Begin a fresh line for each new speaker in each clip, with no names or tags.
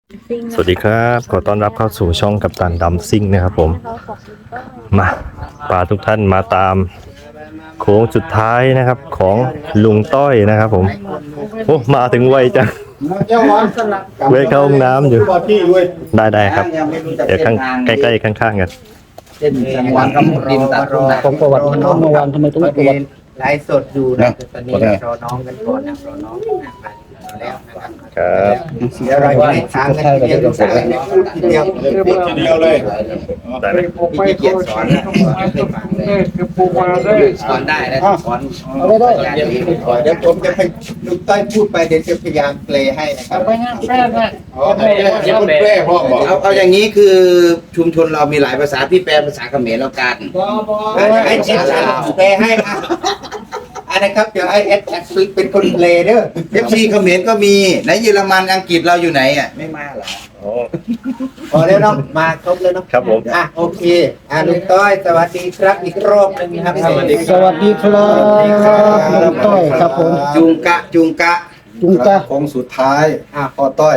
สวัสดีครับขอต้อนรับเข้าสู่ช่องกัปตันดัมซิ่งนะครับผมมาพาทุกท่านมาตามโค้งสุดท้ายนะครับของลุงต้อยนะครับผมโอ้มาถึงไวจังเว้ยเข้าห้องน้ำอยู่ได้ครับเดี๋ยวข้างใกล้ๆข้างๆกัน
เส้นสังวรกับดินตัดตรงไหน
ของประวัติเมื่อวานทำไมต้องประวัติ
ไลฟ์สดอยู่นะตอนนี้รอน้องกันก่อนนะรอน้องมาแล้วนะครับ
ครับ
เดี๋ยวเราจะได้ทางกันทีเดียวทีเดียวทีเดียวเลย
ได้ไหม
พี่เกียรติสอนนะสอนให้ฟังเลยสอนได้นะสอนเดี๋ยวผมจะให้ลูกต้อยพูดไปเดี๋ยวจะพยายามเปลให้นะครับเอาอย่างนี้คือชุมชนเรามีหลายภาษาพี่แปลภาษาเขมรแล้วกันไอ้ชิดแปลให้นะอันนะครับเดี๋ยวไอ้แอดเป็นคนเพลย์เด้อเอฟซีเขมรก็มีในเยอรมันอังกฤษเราอยู่ไหนอ่ะไม่มาเหรอพอแล้วเนาะมาครบแล้วเนาะ
ครับผม
โอเคลุงต้อยสวัสดีครับอีกรอบหนึงครับ
สวัสดีครับลุงต้อยครับผม
จุงกะ
จุงจ้า
โค้งสุดท้ายพ่อต้อย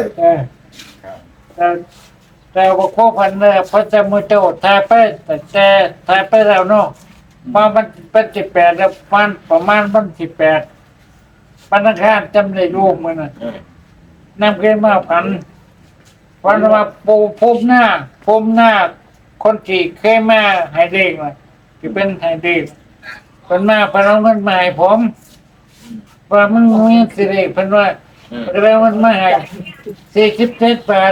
แต่ว่าพวกพันเนี่ยพระเจ้ามือเจ้าทายไปแต่ทายไปแล้วเนาะมามันเป็น18แล้วมันประมาณมัน18วันอังคารจำได้รูปมันน่ะนำเกณฑ์มาพันวันมาปูภูมิหน้าคนที่เคยมาให้เด็กน่ะที่เป็นให้เด็กเป็นมาพน้องมันมาให้ผมว่ามึงมีสิริเพิ่นว่าก็เลยมันมาให้47 บาท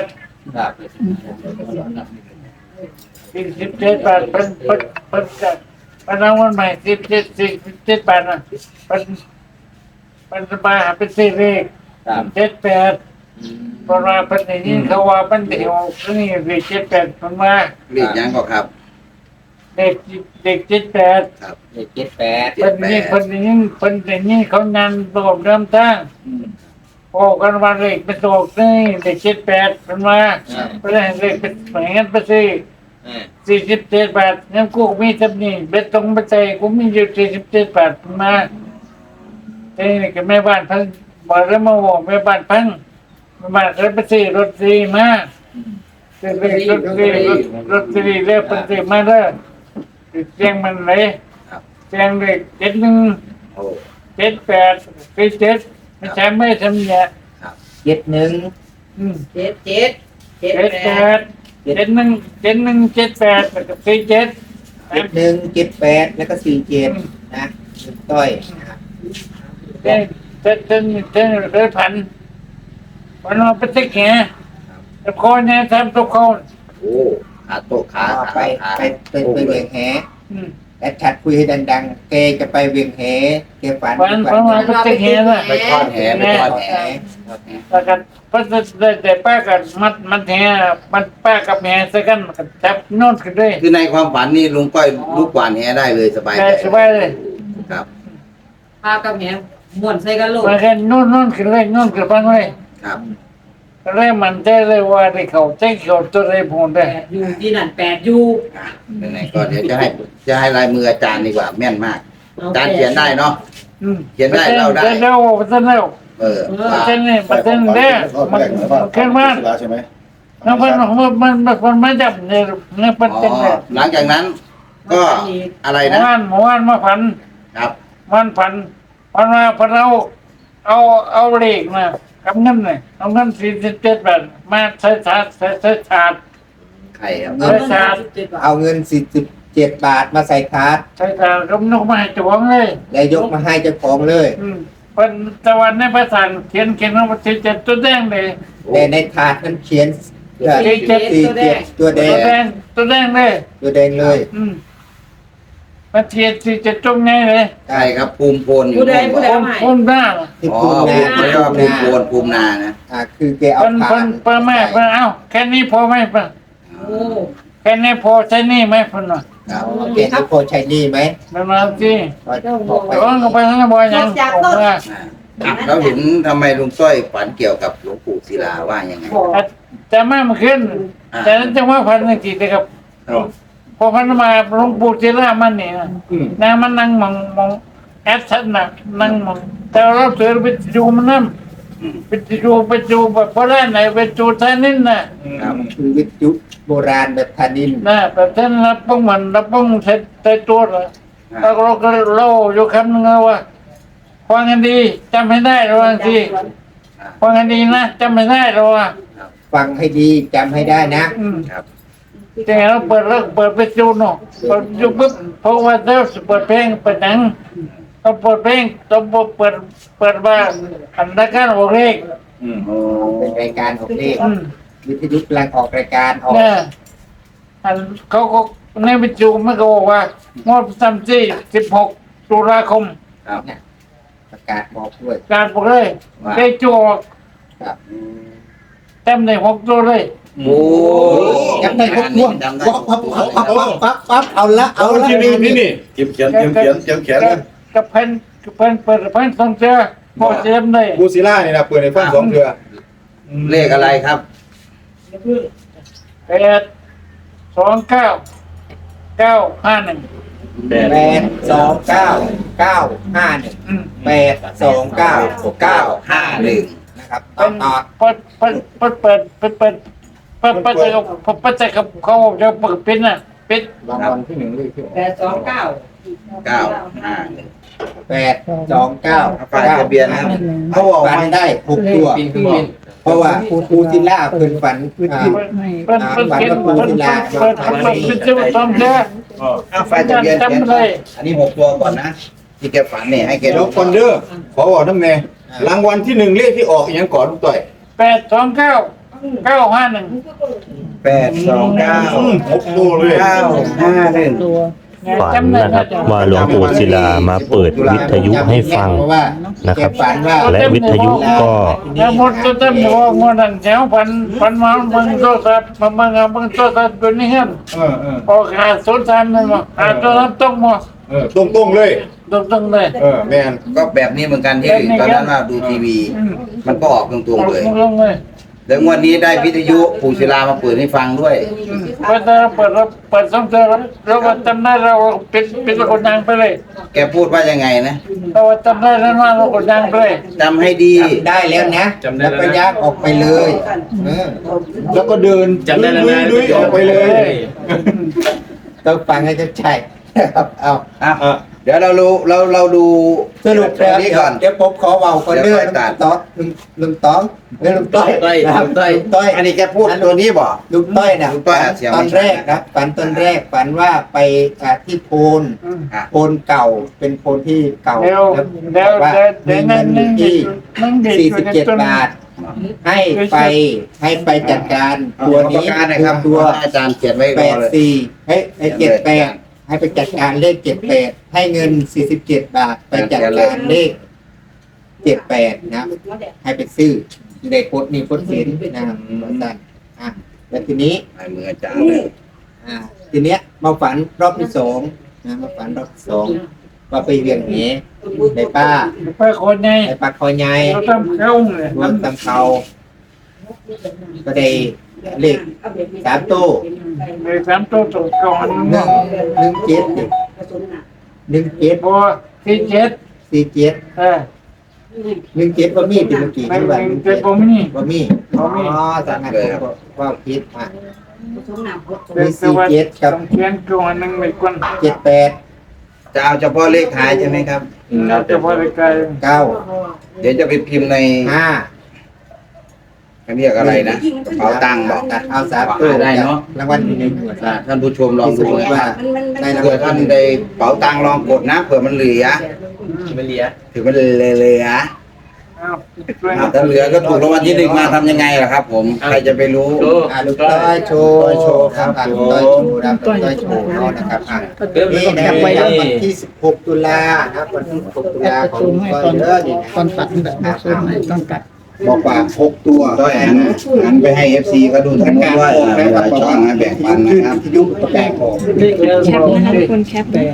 47 บาทเป็นกันเป็นรางวัลใหม่47 บาทนะเป็นมาหาเป็นสี่เลข78เพราะว่าเป็นอย่างนี้เขาว่าเป็นเดียวนี่เลข78เป็นมา
เรียกยังก็ครับ
เด็ก78
ครับเรียก78
เป็นอย่างนี้เขานันประกอบเริ่มตั้งพอกันวันเลขเป็นตัวนี่เลข78เป็นมาเป็นเลขเป็นเหมือนกันไปสิ47 บาทงั้นกูมีจำนี่เบ็ดตรงไปใจกูมีอยู่47 บาทมาเอ้ยก็แม่บ้านพังบอกแล้วมาบอกแม่บ้านพังแม่บ้านเคยไปซื้อรถซีมาซื้อรถซีเรียกเป็นซีมาเด้อเสียงมันเลยเสียงเด็ก71
โอ้
78 47ไม่ใช่ไม่ทำเนี่ย
71
78 71 78แล้วก็47
71 78แล้วก็47นะลุงต้อยนะครับ
เต้นเลยพันวันเราไปเตะแข่ตะโคนเนี่ยทำตะโคน
โอ้ขาโตขาไปเวียงแหแอดชัดคุยให้ดังๆแกจะไปเวียงแหแกฝัน
วันไปเตะแข่น่ะ
ไปทอดแหไปทอดแห
แล้วกันพอได้ป้ากันมันแห่มันป้ากับแห่ใส่กันมันจับโน่นกันด้วย
คือในความฝันนี่ลุงก้อยลูกหวานแหได้เลยสบายใจ
สบายเลย
ครับ
พากับแหมม่วนใส่กันลูก
มาแค่โน่นขึ้นเลยโน่นขึ้นฟังเลย
ครับ
เริ่มมันใจเลยว่าได้เขาใจเขาตัวได้ผลได้
อยู่ที่นั่น8อยู่
ยังไงก็เดี๋ยวจะให้ลายมืออาจารย์ดีกว่าแม่นมากอาจารย์เขียนได้เนาะ เขียนได้เล่าได้
เล่าเล่า
เออ
ประเทศนี้ประเทศนี้เนี่ยมันขึ้นมา
ใช่ไหม
แล้วมันไม่จับเนี่ยประเทศเนี่ย
หลังจากนั้น ก็อะไรนะ
หมู่บ้านมาพัน
ครับ
มันพันมาพันเอาเลขมากับเงินเลยเอาเงิน47 บาทมาใช้ชาร์จ
ใครครับ
ใช้ชาร์จ
เอาเงิน47 บาทมาใส่คาร์ด
ใช้ชาร์จก็นกมาให้จวงเลย
แล้วยกมาให้เจ้าของเลย
เป็นตะวันในภาษาเขียนว่า47ตัวแดงเลย
แต่ในถาดมันเขียน47ตัวแด
ตัวแดงเลย
ตัวแดงเลย
มัน47ตรงไงเลย
ใช่ครับภูมิพล
ผู้ใดเอาให้
คนบ้า
ที่อ๋อ
Ờ,
ภูมินาเรียกว่าภูมิพลภูมินานะ คือแกเอา
เพิ่น
ถา
เพิ่
ด
นเพิ่นแม่เพิ่นเอ้าแค่นี้พอไหมเพิ่น
โอ้
แค่นี้พอใช้หนี่ไหมเพิ่นน่ะ
ครับแกที่พอใช้หนี่ไหม
มันมาสิ
บอกไป
ร้องก็ไปทั้งบ่อยยังออกมา
แล้วเห็นทำไมลุงต้อยฝันเกี่ยวกับหลวงปู่ศิลาว่ายังไง
แต่มาเมื่อคืนแต่นั้นจังว่าพันนาทีนะครับพอพันมาหลวงปู่ศิลามันนี่นะนางมันนั่งมองแอดชัดน่ะนั่งมองแต่เราเสือไปดูมันนำเป็นจูแบบโบราณไหนเป็นจูท่านินน่ะ
ครับคือวิทยุโบราณแบบธานิน
นะแบบนั้นรับป้องมันรับป้องใช้ตัวละแล้วเราก็เล่าอยู่คำนึงว่าฟังกันดีจำไม่ได้ระวังทีฟังกันดีนะจำไม่ได้ระวัง
ฟังให้ดีจำให้ได้นะ
ครับแต่เราเปิดไปจูเนาะเปิดจูปุ๊บเพราะว่าเดี๋ยวเปิดเพลงเปิดหนังต้องเปิดเพลงต้องเปิดว่าอันดับการออกเลข
เป็นรายการออกเลขวิทยุกำลังออกรายการออก
เนี่ยอันเขาก็ในวิจูมันก็บอกว่างวดประจำที่16 ตุลาคม
ครับเนี่ยประกาศบอกด้วย
การบอกเลยได้จูออก
ครับ
เต็มใน6 ตัวเลย
โอ้จำได้ครบถ้วนปั๊บเอาละ
นี่เขียนเลย
กับเพิ่นเปิดเพิ่นต้องเจอพอเต็มเลย
กูซิล่านี่นะเปิดในฟัง2เทื่อ
เลขอะไรครับ
829 951
829 951นะครับต่อ
เปิดกับเขาจะเปิดเป็นน่ะปิด
รางวัลที่หนึ่งเลขที่ออก
829
829 ทะเบียนนะครับเขาบอกฟันได้6ตัว เพราะว่าปูซิล่าเพิ่นฝัน
เปิดจะต้องเจอ
ไฟทะเบียนอันนี้6ตัวก่อนนะที่แกฝันเนี่ยให้แก
เดี๋ยวก่อนเด้อขอบอกน้ำแน่รางวัลที่1เลขที่ออกอย่างก่อนลุงต้อย
829 951
6ตัวเลย
ฝันนะครับว่าหลวงปู่ศิลามาเปิดวิทยุให้ฟังนะครับ และวิทยุก็
แล้วหมดตัวเต็มเลยว่าหมดนั่นแถวพันมาเมืองโตสับมาเมืองโตสับตัวนี้ครับออกหาสนทานเลยมั้งหาตัวรับต้องมั้ง
ตรงเลย
ต้องเลย
แม่น
ก็แบบนี้เหมือนกันที่ตอนนั้นเราดูทีวี มันก็ออกตรงๆเลย
ลงเลย
เดี๋ยววันนี้ได้วิทยุปู่ศิลามาเปิดให้ฟังด้วย
เปิดสองเทอมเราจำได้เราเป็นคนดังไปเลย
แกพูดว่ายังไงนะ
เราจำได้แล้วว่าเราคนดังไปเลย
จำให้ดีได้แล้วนะแล้วก็ยักออกไปเลย
แล้วก็เดินลุยออกไปเลย
ต้องฟังให้ชัดใจครับเอาเดี๋ยวเราดูสรุป
แล้ว
นี้ก่อน
เดี๋ยวผมขอเบาก่อนเด้อลุงต้อย
อันนี้แกพูดตัวนี้บ่
ลุงต้อยนะ
ลุงต้อยเสียง
ต
ไม่
อน
ชัด
แรกนะฝันตอนแรกฝันว่าไปที่โพนเก่าเป็นโพนที่เก่า
เดี๋ยว
แล้วว่ามี
นั่
เงิ
ง
นอยู่ที่47 บาท ให้ไปจัดการตัวนี้
การนะครับ
ตัว
อาจารย์เขียนไว้รอเลย
84ให้78ให้ไปจัดการเลข78ให้เงิน47 บาท ไปจัดการเลข78นะให้ไปซื้อในโพสต์นี้โพสต์เสียนนะครับอาจารย์แล้วทีนี้
ลายมืออาจารย์เลย
ทีเนี้ยมาฝันรอบที่สองนะมาฝันรอบที่สองว่าไปเวียงเหในป้า
ไปคนไง
ในปลาคอใหญ่
เราทำเข้าเลย
รวมตำเขาก็ได้เลข3ตู้
ใน3 ตัวตกก่อน
17
พอที่7
47ว่ามีเป็นเมื่อกี้ที่ว่า
เจ็ดบ่มี
ว่ามีสามารถว่าผิดมี
แต่ว่า
47กับ
ต้องเขียนก่อนนึงไม่ควร
78
จะเอาเฉพาะเลขท้ายใช่ไหมครับ
เราจะพอได้ไกล
9
เดี๋ยวจะไปพิมพ์ใน
5
เขาเรียกอะไรนะกระเป๋าตังค์บอก
เอา3ตู้ได้เนาะรางวัลที่1หัวซะ
ท่านผู้ชมลอง
ส
ดู
มมติว่า
ว่า
ได้ราง
เผื่
วั
อ
ล
ท่าน
ที่
ได้เป๋าตังค์ลองกดนะเผื่อมันเหลือถือมันเหลือ ถ้าเหลือก็ถูกรางวัลที่ 1มาทำยังไงล่ะครับ ผมใครจะไปรู้
ลูกต้อยโชว์ครับลูกต้อยโชว์ครับลูกต้อยโชว์เนาะนะครับนี่นะครับวันที่16 ตุลานะครับวันที่16 ตุลาของลูกต้อยเด้อนี่นะตอนตัดต้องตัด
บอกว่า6ตัวต้อยหันไปให้ FC ก็ดูทั้งหมดด้วยช่องให้แบ่งปันนะครับ
ยุคแปดของ
แคปนะคะทุกคนแคปเลย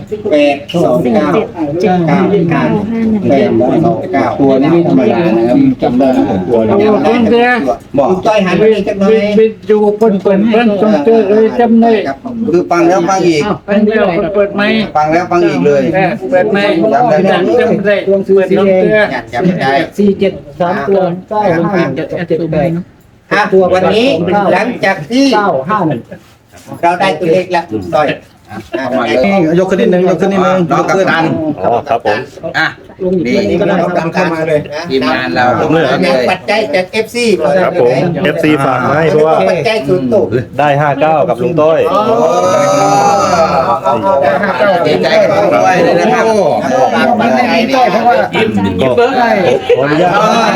829
ตัวนี้ไม่ธรรมดานะครับจำได้ตัวนี้
บอกลูกต้อยหันไปเลยจักหน่อย
บิดอยู่เปิดจงเจอเลยจำได้
คือฟังแล้วฟังอีก
ฟังเดียวเปิดไหม
ฟังแล้วฟังอีกเลย
เปิดไหมจำได้เปิดน้องเตือ
จำได้
47
3 ตัว951
วันนี้หลังจากที่
951
เราได้ตัวเลขแล้วลุงต้อย
ยกขึ้นนิดนึงยกขึ้นนิดนึง
น้องกัปตัน
อ๋อครับผม
อ่ะ
นี่น้องดำเข้ามาเลย
ทีมงานเรา
ยังปัจจัยจาก FC
ครับผม FC ฝากมาให้เพราะว่า
ปัจจัยส่วนตัว
ได้59กับลุงต้อย
ดีใจกับน้องด้วยเลยนะครับ
มันไม่มีต้อยเพราะว่า
ก็ขออนุญาต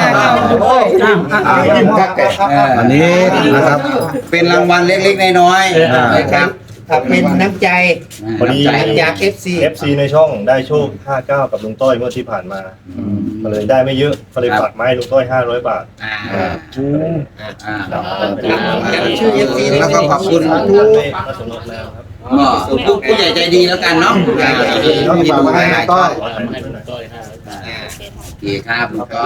ยิ้มคักแกอันนี้นะครับ
เป็นรางวัลเล็กๆน้อยๆนะครับ
เป็นน้ำใจ
พอดี
จาก FC
FC ในช่องได้โชค59กับลุงต้อยเมื่อที่ผ่านมาก็เลยได้ไม่เยอะก็เลยฝากมาให้ลุงต้อย500 บาท
ชื่อ FC
แล้วก็ขอบคุณ
ไม่
ทุก
มาสนุกแล้วครับ
ทุกผู้ใหญ่ใจดีแล้วกันเนาะที่ดูให้ต้อยโอเคครับก็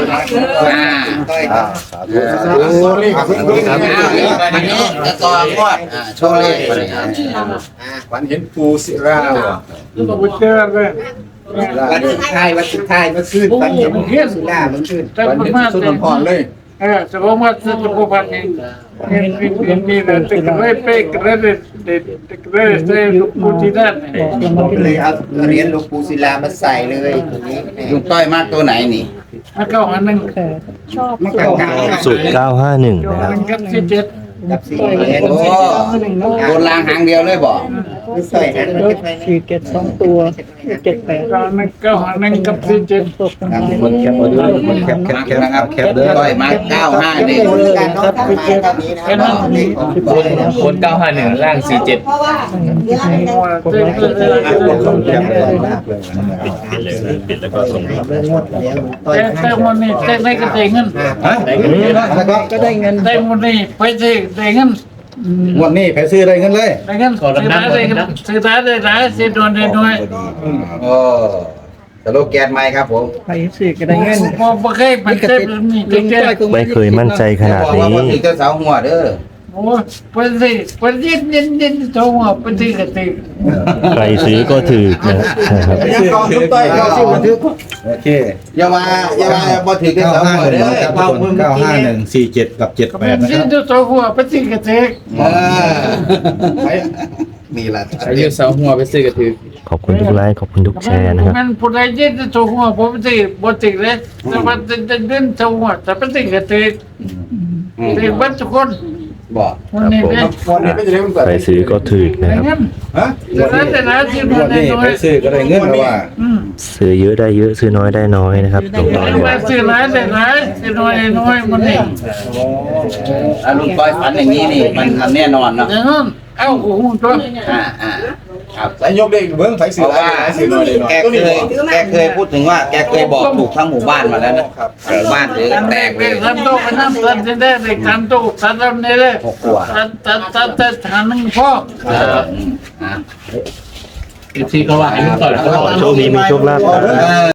วันนี้จะต่อยอดโชว์เลข
วันเห็นปูศิรา
บุญเจอเลย
วันสุดท้ายเมื่อคืนวันเห็นสุราเมื่อคืน
แต่
วัน
ประ
เห็น
มาณ
สุนทรเลย
สมมติว่าจะพูดพันนี้เห็นนี่นะตึกเร่เป๊กเร่เด็ดตึกเร่เซ่ลูกปูที่นั่น
ผมเลยเอาเหรียญหลวงปู่ศิลามาใส่เลยตรงนี้
ลุงต้อยมากตัวไหนนี่
แล้วก็อันนึง
มันกลางๆ
สูตร951นะครับ
มันกับที่เจ็ด
กับ4เหรียญ
โอ้โดนลางหางเดียวเลยบอก
ไม่ใส่นะ
472 ตัว 78
ก็อันนึงก็อันนึงกับที่เจ็ด
คนแคปมาด้วยคนแคป
นะครับ
แคปเด้อ
ต้อยมา95เด็ก
คนการน้องทำมาแบบนี้นะครับ
คน951ล่าง47
เพราะว่าเจ๊ก็เลย
ปิดแล้วก็ส่งครับ
แต่วันนี้เจ๊ได้ก็ได้เงิน
แล้วก็
ก็ได้เงิน
ได้วันนี้ไปเจ๊ได้เงิน
วันนี้ไปซื้อได้เงินเลย
ได้เงินซื้อได้เงินซื้อได้หลายซื้อโดนได้น้อย
โอ้สโลแกนใหม่ครับผม
ไปสิก็ได้เงิน
พอเคยมันเจ็บนี่เจ็บ
ไม่เคยมั่นใจขนาด
บอก
นี้
ว่าบ่ถือเจ้าสาวหัวเด้อ
โอ้ไปเย็นโตมาไปที่กติ
ใครซื้อก็ถือนะครับ
ยังกองทุกต้อยก็ชื่อบันทึกโอเค
อย่าว่าบ่ถือเจ้าสาวหัวเด้อ
ครับทุกคน95147กับ78
ไป
นะค
ที่
รับ
โตหัวไปที่กติ
มีละ
ใช้ยืมเสาหัวไปซื้อกระถือ
ขอบคุณทุกไลค์ขอบคุณทุกแชร์นะครับ
มันผู้ใดเย็นโตหัวผมไปที่บ่ติเลยแต่ว่าจะเดินโตหัวแต่ไปที่กติติบัดทุกคน
บอก
วันนี้เนี่ย
วันนี้ไม่จะได้มันเปิด
ใครซื้อก็ถือนะ
ได้
ครับ
เงิน
ฮะ
แต่ละที่โด
วัน น
ได้
นี้
น้อ
ไป
ย
ซื้อก็ได้เงินแล้วว่า
ซื้อเยอะได้เยอะซื้อน้อยได้น้อยนะครับลุงต้อย
มาซื้อหลายได้หลายซื้อน้อยได้น้อยมันนี่
ลุงต้อยฝันอย่างนี้นี่มันแน่นอนเนาะ
อย่างนั้นเอ้าโอ้โหตัว
ครับ
สายยกเด้งเบิ้งไฟ
เพ
ซื้อ
ราะ
อะไร
ว่า
ซื้อหน่อยเลยหน่อย
แกเคยพูดถึงว่าแกเคยบอกถูกทั้งหมู่บ้านมาแล้วนะหมู่บ้านถือแตกเลย
ทำโต๊ะไปนั่งตัดได้เลยทำโต๊ะตัดแล้วนี่เลย
6 ขวบ
ตัดทางนึงพ่อ
ที่เขาว่าให้ลุงต่อย
โชคดีมีโชคลาภครับ